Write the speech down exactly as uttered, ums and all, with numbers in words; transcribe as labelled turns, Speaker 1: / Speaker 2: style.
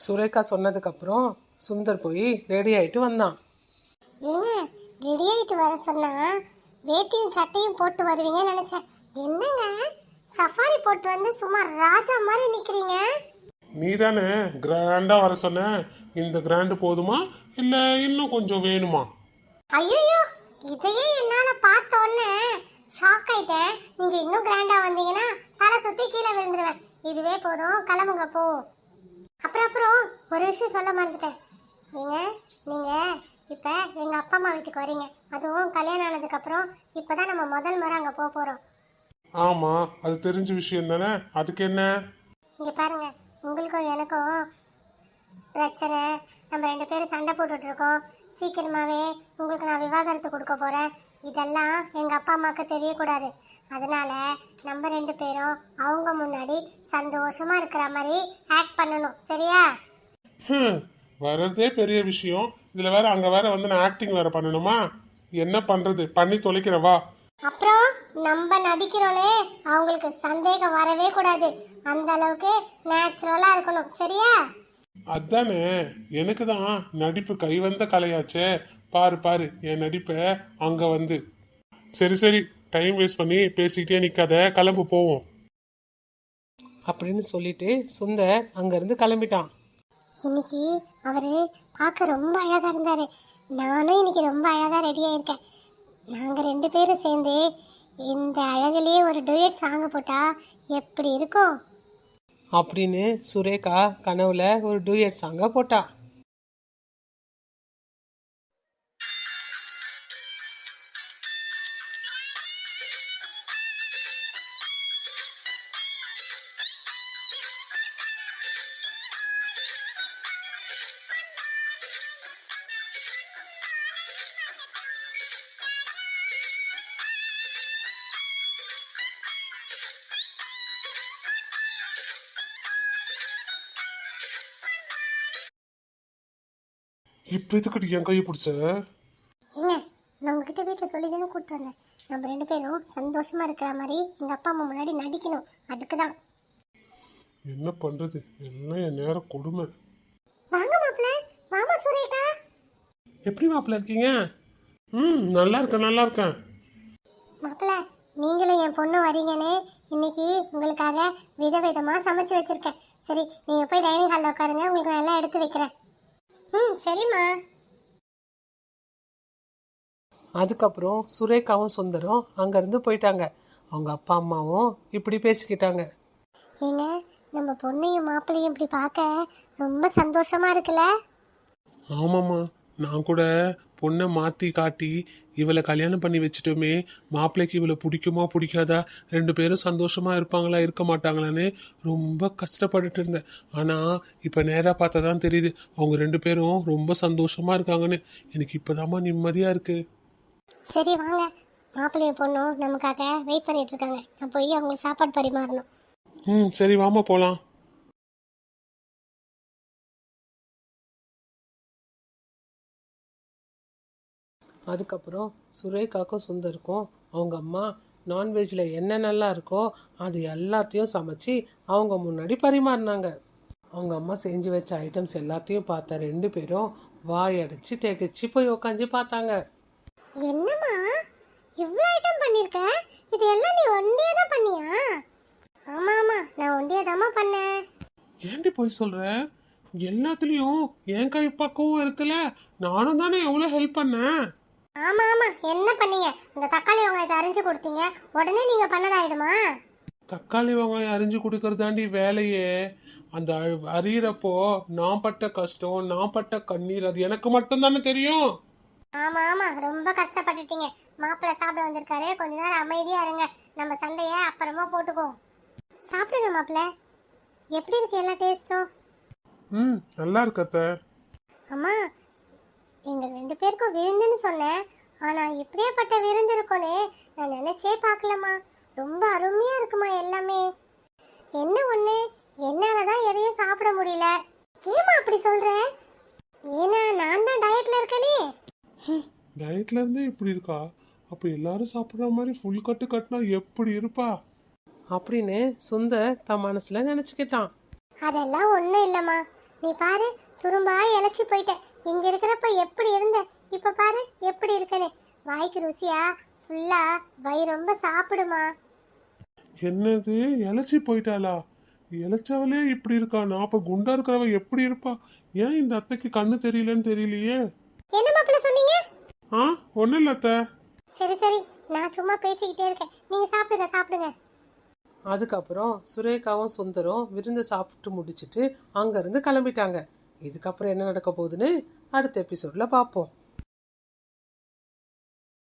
Speaker 1: சுரேகா சொன்னதுக்கப்புறம் சுந்தர் போய் ரெடி ஆகிட்டு வந்தான்.
Speaker 2: ஏங்க ரெடி ஆகிட்டு வர சொன்னா வேட்டியும் சட்டையும் போட்டு வருவீங்கன்னு நினைச்சேன். என்னங்க சஃபாரி போட்டு வந்து சும்மா ராஜா மாதிரி நிக்கிறீங்க.
Speaker 3: நீ தானே கிராண்டா வர சொன்ன. இந்த கிராண்டு போதுமா இல்ல இன்னும் கொஞ்சம் வேணுமா?
Speaker 2: ஐயோ, இதையே என்னால பார்த்த உடனே ஷாக் ஆயிட்டேன். நீங்க இன்னும் கிராண்டா வந்தீங்கன்னா தலை சுத்தி கீழே விழுந்துருவேன். இதுவே போதும், கிளம்புங்க போவோம். அப்புறம் அப்புறம் ஒரு விஷயம் சொல்ல மறந்துட்டேன். நீங்க நீங்க இப்ப எங்க அப்பா அம்மா வீட்டுக்கு வரீங்க. அதுவும் கல்யாணம் ஆனதுக்கு அப்புறம் இப்பதான் நம்ம முதல் முறை அங்க போக போறோம்.
Speaker 3: ஆமா, அது தெரிஞ்ச விஷயம் தானே. அதுக்கு என்ன?
Speaker 2: இங்க பாருங்க, உங்களுக்கும் எனக்கும் பிரச்சனை. நம்ம ரெண்டு பேரும் சண்டை போட்டுட்டு இருக்கோம். சீக்கிரமாவே உங்களுக்கு நான் விவாகரத்து கொடுக்க போறேன். இதெல்லாம் எங்க அப்பா அம்மாவுக்கு தெரியக்கூடாது. அதனால நம்ம ரெண்டு பேரும் அவங்க முன்னாடி சந்தோஷமா இருக்கிற மாதிரி ஆக்ட் பண்ணணும், சரியா?
Speaker 3: ஹம், வர்றதே பெரிய விஷயம். இதுல வேற அங்க வேற வந்து நான் ஆக்டிங் வேற பண்ணணுமா? என்ன பண்றது, பண்ணி தொலைக்கிறேன் வா.
Speaker 2: அப்புறம் நம்ம நடிக்கிறோனே அவங்களுக்கு சந்தேகம் வரவே கூடாது. அந்த அளவுக்கு நேச்சுரலா இருக்கணும், சரியா?
Speaker 3: அதானே, எனக்கு தான் நடிப்பு கை வந்த கலையாச்சே. பாரு பாரு என் நடிப்பை அங்க வந்து. சரி சரி, டைம் வேஸ்ட் பண்ணி பேசிக்கிட்டே நிக்காத, கிளம்பு போவோம்
Speaker 1: அப்படின்னு சொல்லிட்டு சுந்தர் அங்கேருந்து கிளம்பிட்டான்.
Speaker 2: இன்னைக்கு அவரு பார்க்க ரொம்ப அழகா இருந்தாரு. நானும் இன்னைக்கு ரொம்ப அழகா ரெடி ஆயிருக்கேன். நாங்க ரெண்டு பேரும் சேர்ந்து இந்த அழகுலயே ஒரு டூயட் சாங் போட்டா எப்படி இருக்கும்
Speaker 1: அப்படின்னு சுரேகா கனவுல ஒரு டூயட் சாங்கை போட்டா.
Speaker 3: இப்ப இதுக்கிட்ட என் கையை பிடிச்ச?
Speaker 2: என்ன, நான் உங்ககிட்ட வீட்டில் சொல்லி தானே கூப்பிட்டு வந்தேன். நம்ம ரெண்டு பேரும் சந்தோஷமா இருக்கிற மாதிரி எங்க அப்பா அம்மா முன்னாடி நடிக்கணும். அதுக்கு தான்.
Speaker 3: என்ன பண்றது, எல்லாம் என் நேரம் கொடுமை.
Speaker 2: வாங்க மாப்பிள்ள, வாமா சுரேகா.
Speaker 3: எப்படி மாப்பிள்ள இருக்கீங்க? ம், நல்லா இருக்கேன் நல்லா இருக்கேன்.
Speaker 2: மாப்பிள்ள, நீங்களும் என் பொண்ணு வரீங்கன்னு இன்னைக்கு உங்களுக்காக விதவிதமா சமைச்சு வச்சிருக்கேன். சரி, நீங்க போய் டைனிங் ஹாலில் உட்காருங்க, உங்களுக்கு நான் எல்லாம் எடுத்து வைக்கிறேன். ம், சரிம்மா.
Speaker 1: அதுக்கப்புறம் சுரேகாவும் சுந்தரும் அங்கேருந்து போயிட்டாங்க. அவங்க அப்பா அம்மாவும் இப்படி பேசிக்கிட்டாங்க.
Speaker 2: ஏங்க, நம்ம பொண்ணையும் மாப்பிள்ளையும் இப்படி பார்க்க ரொம்ப சந்தோஷமா இருக்குல்ல?
Speaker 3: ஆமாம்மா, நான் கூட பொண்ணை மாற்றி காட்டி இவளை கல்யாணம் பண்ணி வச்சுட்டோமே, மாப்பிள்ளைக்கு இவளை பிடிக்குமா பிடிக்காதா, ரெண்டு பேரும் சந்தோஷமா இருப்பாங்களா இருக்க மாட்டாங்களான்னு ரொம்ப கஷ்டப்பட்டுட்டு இருந்தேன். ஆனால் இப்போ நேராக பார்த்தா தான் தெரியுது அவங்க ரெண்டு பேரும் ரொம்ப சந்தோஷமா இருக்காங்கன்னு. எனக்கு இப்போதாம்மா நிம்மதியாக இருக்கு.
Speaker 2: சரி வாங்க, மாப்பிள்ளையும் பொண்ணும் நமக்காக வெயிட் பண்ணிட்டு இருக்காங்க. நான் போய் அவங்களுக்கு சாப்பாடு பரிமாறணும்.
Speaker 3: ம், சரி வாமா போகலாம்.
Speaker 1: அதுக்கப்புறம் சுரேகாக்கும் சுந்தருக்கும் அவங்க அம்மா நான்வெஜ்ல என்னென்னலாம் இருக்கோ அது எல்லாத்தையும் சமைச்சு அவங்க முன்னாடி பரிமாறினாங்க. அவங்க அம்மா செஞ்சு வச்ச ஐட்டம்ஸ் எல்லாத்தையும் பார்த்த ரெண்டு பேரும் வாயடைச்சு திகச்சு போய் உக்காந்து பார்த்தாங்க.
Speaker 2: என்னம்மா இவ்வளோ ஐட்டம் பண்ணிருக்க? இது எல்லாம் நீ ஒண்டியே தான் பண்ணியா? ஆமா ஆமா, நான் ஒண்டியே தாம்மா பண்ணேன்.
Speaker 3: ஏண்டி போய் சொல்ற? எல்லாத்துலயும் என் கை பக்கமும் இருக்குல்ல, நானும் தானே எவ்வளோ ஹெல்ப் பண்ணேன்.
Speaker 2: ஆமா ஆமா, என்ன பண்ணீங்க? இந்த தக்காளி வெங்காயத்தை அரிஞ்சு கொடுத்தீங்க, உடனே நீங்க பண்ணதாயிடுமா?
Speaker 3: தக்காளி வெங்காயம் அரிஞ்சு கொடுக்கறதாண்டி வேலையே. அந்த அ- அரியிறப்போ நான் பட்ட கஷ்டம், நான் பட்ட கண்ணீர் அது எனக்கு மட்டும் தானே தெரியும்.
Speaker 2: ஆமா ஆமா, ரொம்ப கஷ்டப்பட்டுட்டீங்க. மாப்பிள்ளை சாப்பிட வந்திருக்காரு, கொஞ்ச நேரம் அமைதியா இருங்க. நம்ம சண்டைய அப்புறமா போட்டுக்குவோம். சாப்பிடுங்க மாப்பிள்ளை. எப்படி இருக்கு எல்லா டேஸ்டும்?
Speaker 3: ம், நல்லா இருக்கு அத்தை.
Speaker 2: அம்மா, எங்க ரெண்டு பேருக்கும் விருந்துன்னு சொன்னேன், ஆனா இப்படியேப்பட்ட விருந்து இருக்கும்னு நான் நினைச்சே பார்க்கலம்மா. ரொம்ப அருமையா இருக்குமா எல்லாமே. என்ன ஒண்ணு, என்னாலதான் எதையும் சாப்பிட முடியல. ஏமா அப்படி சொல்ற? ஏன்னா நான் தான் டயட்ல இருக்கனே.
Speaker 3: டயட்ல இருந்தே இப்படி இருக்கா? அப்ப எல்லாரும் சாப்பிடுற மாதிரி ஃபுல் கட்டு கட்டினா எப்படி இருப்பா?
Speaker 1: அப்படின்னு சுந்தர் தன் மனசுல நினைச்சுக்கிட்டான்.
Speaker 2: அதெல்லாம் ஒண்ணும் இல்லம்மா. நீ பாரு துரும்பா இழைச்சி போயிட்ட. இங்க இருக்கிறப்ப எப்படி இருந்த, இப்ப பாரு எப்படி இருக்கனே. வாய்க்கு ருசியா ஃபுல்லா வயிறு ரொம்ப சாப்பிடுமா.
Speaker 3: என்னது இழைச்சி போயிட்டாளா? இழைச்சவளே இப்படி இருக்கா, நான் அப்ப குண்டா இருக்கிறவ எப்படி இருப்பா? ஏன் இந்த அத்தைக்கு கண்ணு தெரியலன்னு தெரியலையே.
Speaker 2: என்ன மாப்பிள்ள சொன்னீங்க?
Speaker 3: ஆ ஒன்றும் இல்லை அத்தை.
Speaker 2: சரி சரி, நான் சும்மா பேசிக்கிட்டே இருக்கேன், நீங்க சாப்பிடுங்க சாப்பிடுங்க.
Speaker 1: அதுக்கப்புறம் சுரேகாவும் சுந்தரம் விருந்து சாப்பிட்டு முடிச்சிட்டு அங்கேருந்து கிளம்பிட்டாங்க. இதுக்கப்புறம் என்ன நடக்க போகுதுன்னு அடுத்த எபிசோடில் பார்ப்போம்.